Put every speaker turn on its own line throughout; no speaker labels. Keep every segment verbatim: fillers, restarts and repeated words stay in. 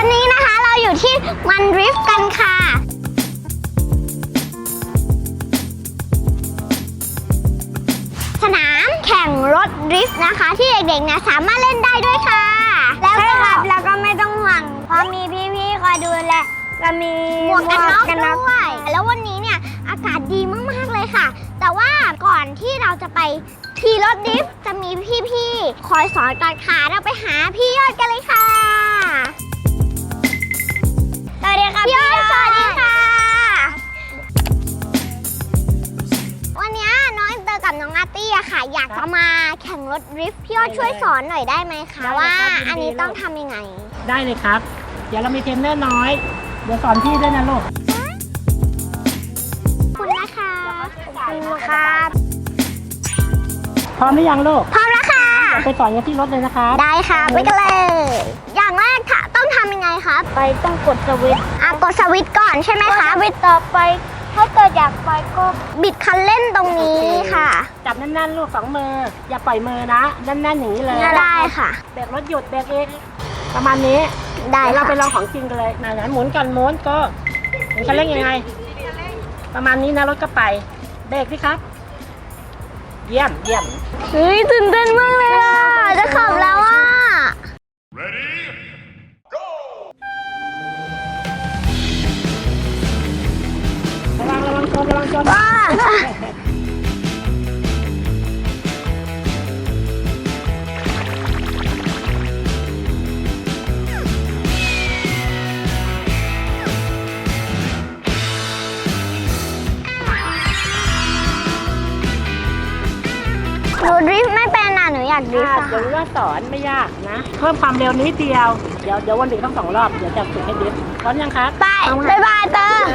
วันนี้นะคะเราอยู่ที่มันดริฟต์กันค่ะสนามแข่งรถดริฟต์นะคะที่เด็กๆเนี่ยสามารถเล่นได้ด้วยค่ะแล้วก็แล้วก็ไม่ต้องห่วงเพราะมีพี่ๆคอยดูแลก็มีหมวกกันน็อกด้วยแล้ววันนี้เนี่ยอากาศดีมากๆเลยค่ะแต่ว่าก่อนที่เราจะไปขี่รถดริฟต์จะมีพี่ๆคอยสอนก่อนค่ะเราไปหาพี่ยอดกันเลยค่ะสวัสดีค่ะพี่ยอดสวัสดีค่ะวันนี้น้องอินเตอร์กับน้องอาร์ตี้อะค่ะอยากจะมาแข่งรถดริฟต์พี่ยอดช่วยสอนหน่อยได้ไหมคะว่าอันนี้ต้องทำยังไง
ได้เลยครับเดี๋ยวเรามีเทรนเนอร์น้อยเดี๋ยวสอนพี่ด้วยนะลูก
คุณนะคะขอบคุณครับ
พร้อมหรือยังลูก
พร้อมแล้วค่ะ
ไปสอนกันที่รถเลยนะคะ
ได้ค่ะไปกันเลยอย่างแรกค่ะต้องทำยังไงครับ
ไปต้องกดสวิตช์
อ่ะกดสวิตช์ก่อนใช่ไหมคะ
สวิตช์ต่อไปถ้าเกิดอยากไปก็
บิดคันเร่งตรงนี้ค่ะ
จับแน่นๆลูกสองมืออย่าปล่อยมือนะแน่นๆอย่างนี้เลย
ได้ค่ะ
เบรกรถหยุดเบรกเองประมาณนี้
ได้
เราไปลองของจริงกันเลยไหนๆหมุนกันหมุนก็หมุนคันเร่งยังไงประมาณนี้นะรถก็ไปเบรกสิครับเยี่ยมเยี่ยม
เฮ้ยตื่นเต้นมากเลยอ่ะจะขับแล้วอ่ะ
Ready go
ระวังระวังชนระวังชน
ว้าหนูดริฟต์ไม่เป็นอ่ะหนูอยากดริฟต์
เดี๋ยวว่าสอนไม่ยากนะเพิ่มความเร็วนิดเดียวเดี๋ยวเดี๋ยววันดึกทั้งสองรอบเดี๋ยวจะฝึกให้ดริฟต์พร้อมยังครับ
ไปบ๊ายบายเตอร์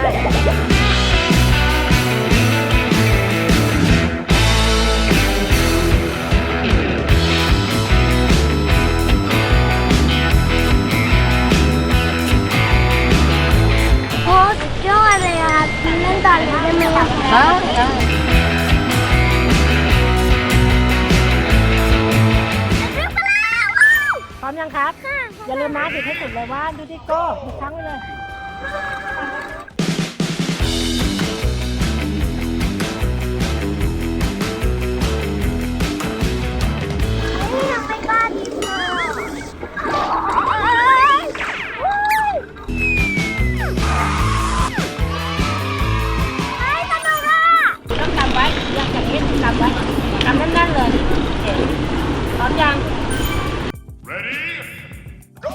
โอ้สุดยอดเลยอ่ะเล่นต่อเลยได้ไหมอ่ะ
พร้อมยังครับอย่าลืมนะติดให้สุดเลยว่าดูดิโก้อีกครั้งไปเลย
ยังไม่กล้าดิฟเลย
ต้องกำไว้ยังอย่างนี้กำไว้กำแน่นๆเลยพร้อมยัง
Ready go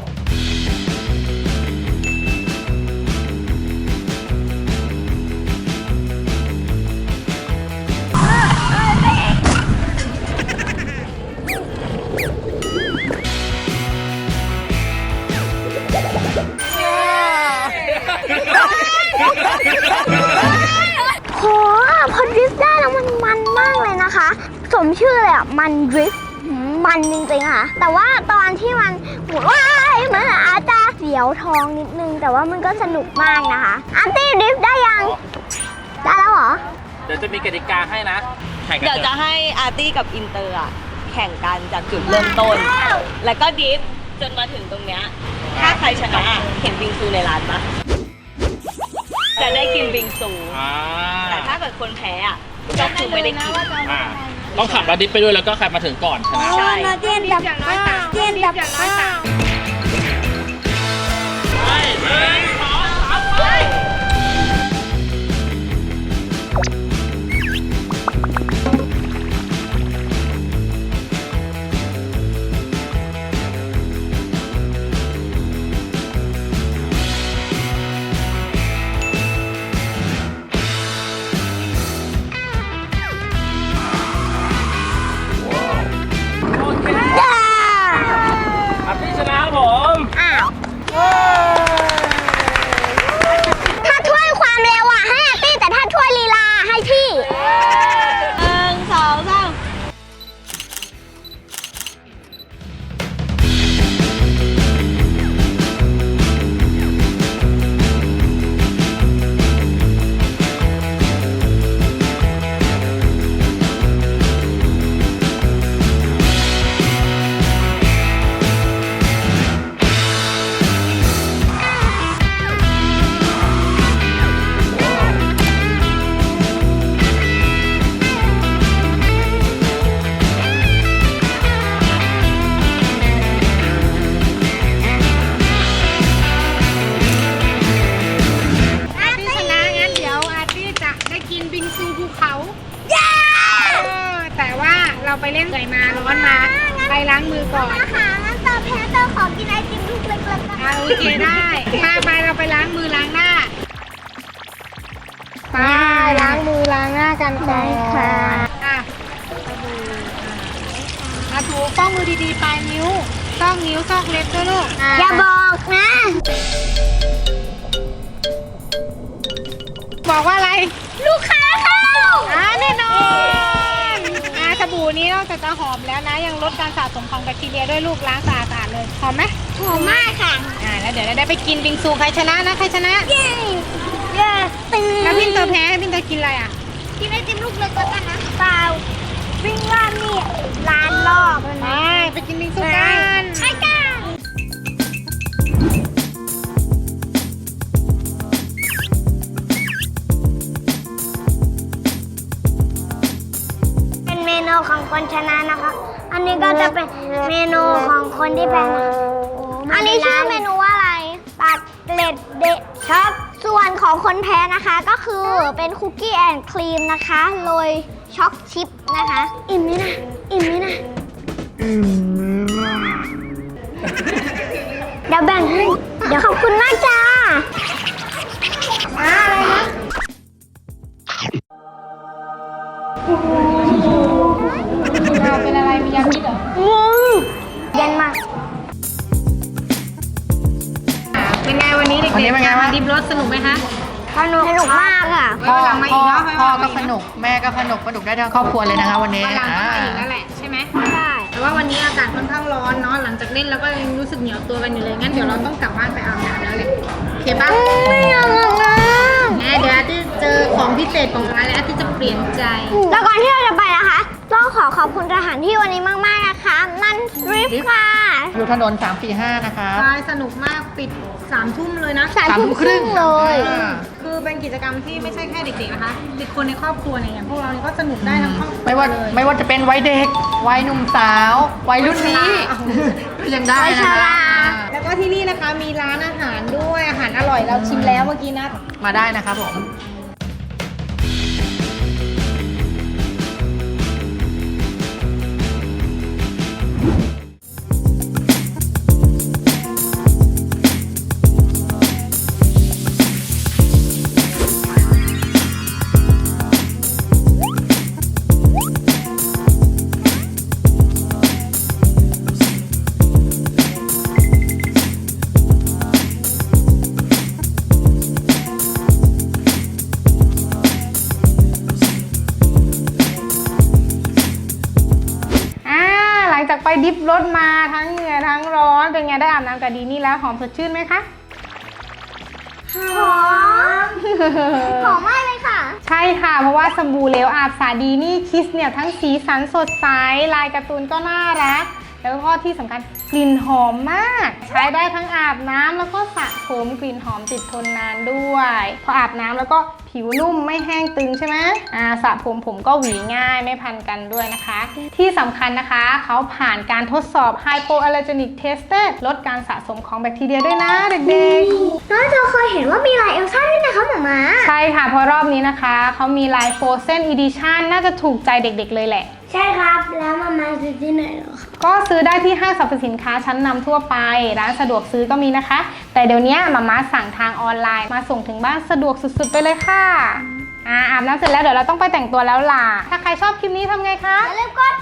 โหพอดริฟต์ได้แล้วมันมันมากเลยนะคะสมชื่อเลยอ่ะมันดริฟต์มันจริงๆค่ะแต่ว่าตอนที่มันว้ายมันอาจจะเสียวท้องนิดนึงแต่ว่ามันก็สนุกมากนะคะอาร์ตี้ดริฟต์ได้ยังได้แล้วเหรอ
เดี๋ยวจะมีกติกาให้นะแข่งกัน
เดี๋ยวจะให้อาร์ตี้กับอินเตอร์อะแข่งกันจากจุดเริ่มต้นแล้วก็ดิฟจนมาถึงตรงเนี้ยถ้าใครชนะเห็นบิงซูในร้านปะจะได้กินบิงซูแต่ถ้าเกิดคนแพ้อะก็คือไม่ได้กิน
ต้องขับแล้วดิฟไปด้วยแล้วก็ใครมาถึงก่อนชนะ
ใช่
เจียนดับข้าวเจียนดับข้าว
ไปหนึ่งสองสามไปอาร์ตี้ชนะผ
เคได้มาไปเราไปล้างมือล้างหน้าไปล้างมือล้างหน้ากันก่อนค่ะอ่ะสบู่อ่ะถูป้องมือดีๆปลายนิ้วซอกนิ้วซอกเล็บด้วยลูก
อย่าบอกนะ
บอกว่าอะไร
ลูกค้าเข้า
อ่าแน่นอนอ่าสบู่นี้นอกจากจะหอมแล้วนะยังลดการสะสมของแบคทีเรียด้วยลูกล้างสะอาดๆเลยหอมไหม
หอมมากค่ะ
อ่าแล้วเดี๋ยวเราได้ไปกินบิงซูใครชนะนะใครชนะ
เย้เย้ตื่น
แล้วพินเตอร์แพ้พินเตอร์กินอะไรอ่ะ
กินไอติมลูกเล็กแล้วกันนะเปล่าวิ่งว่านี่ร้านรอบเลย
ไป
นะ
ไปกินบิงซูกัน
ใช่กันเป็นเมนูของคนชนะนะคะ อันนี้ก็จะเป็นเมนูของคนที่แพ้นะคะอันนี้ชื่อเมนูว่าอะไรตัดเล็ดเดะช็อกส่วนของคนแพ้นะคะก็คือเป็นคุกกี้แอนด์ครีมนะคะโรยช็อกชิพนะคะ อิ่มไหมนะอิ่มไหมนะเดี๋ยวแบ่งให้เดี๋ยวขอบคุณมากจ้าอะไรนะ
เราเป็นอะไรมียาพิษเหรอ
เย็นมาก
เป็นไงวันนี้เด็กๆ
วันนี้เป็นไงบ้าง
ดิบรถสนุกไหมคะ
สนุกสนุกมากอ่ะ
พ่อ
วันหลังมาอี
พ่
ก
อ
เนาะ
พ่อก็สนุกแม่ก็สนุกสนุกได้ทั้งครอบครัวเลยนะคะวันนี้
วันหลังก็
อ่า
มาอีกแล้วแหละใช่ไหม
ใช่
แต่ว่าวันนี้อากาศค่อนข้างร้อนเนาะหลังจากเล่นแล้วก็ยังรู้สึกเหนียวตัวกันอยู่เลยงั้นเดี๋ยวเราต้องกลับบ้านไปอาบน้ำแล้วแหละโอเคปะ
ไม่อยากอาบน้ำ
แม่เดี๋ยวอาทิตย์เจอของพิเศษของร้านแล้วอาทิตย์จะเปลี่ยนใจ
แล้วก่อนที่เราจะไปนะคะ ต้องขอขอบคุณสถานที่วันนี้มากๆนะคะ นั่นริฟค่ะ
อยู่ถนนสามสี่ห้านะคะ
ใช่สนุกมากปิดสามทุ่มเลยนะ
สามทุ่มครึ่งเลย
อ่า
คือเป็นกิจกรรมที่ไม่ใช่แค่เด็กๆนะคะเด็กคนในครอบครัวเนี่ยอย่างพวกเราเนี่ยก็สนุกได้ทั้งครอบครัว
ไม่ว่า
เลย
ไม่ว่าจะเป็นวัยเด็กวัยหนุ่มสาววัยรุ่นนี้ ก็ยังได้
วัย
นะ
ช
คะ
รา
แล้วก็ที่นี่นะคะมีร้านอาหารด้วยอาหารอร่อยเราชิมแล้วเมื่อกี้นะ
มาได้นะคะผม
อ่าหลังจากไปดิฟรถมาทั้งเหงื่อทั้งร้อนเป็นไงได้อาบน้ำกับดีนี่แล้วหอมสดชื่นไหมคะ
หอม หอมมากเลยค่ะ
ใช่ค่ะเพราะว่าสบู่เหลวอาบสาดีนี่คิสเนี่ยทั้งสีสันสดใสลายการ์ตูนก็น่ารักแล้วก็ที่สำคัญกลิ่นหอมมาก ใช้ได้ทั้งอาบน้ำแล้วก็สระผมกลิ่นหอมติดทนนานด้วยพออาบน้ำแล้วก็ผิวนุ่มไม่แห้งตึงใช่ไหมอ่าสระผมผมก็หวีง่ายไม่พันกันด้วยนะคะ ที่สำคัญนะคะเขาผ่านการทดสอบ Hypoallergenic Tester ลดการสะสมของแบคทีเรียด้วยนะเด็กๆ
น้อยเราเคยเห็นว่ามีลายเอลซ่าด้วยนะคะหมามา
ใช่ค่ะเพราะรอบนี้นะคะเขามีลาย Frozen Edition น่าจะถูกใจเด็กๆเลยแหละ
ใช่ครับ แล้วมามาซื้อที่ไหนเหรอคะ
ก็ซื้อได้ที่ห้างสรรพสินค้าชั้นนำทั่วไปร้านสะดวกซื้อก็มีนะคะ แต่เดี๋ยวนี้มาม่าสั่งทางออนไลน์มาส่งถึงบ้านสะดวกสุดๆไปเลยค่ะอ่าอาบน้ำเสร็จแล้วเดี๋ยวเราต้องไปแต่งตัวแล้วล่ะถ้าใครชอบคลิปนี้ทำไงคะ
อย่าลืมกด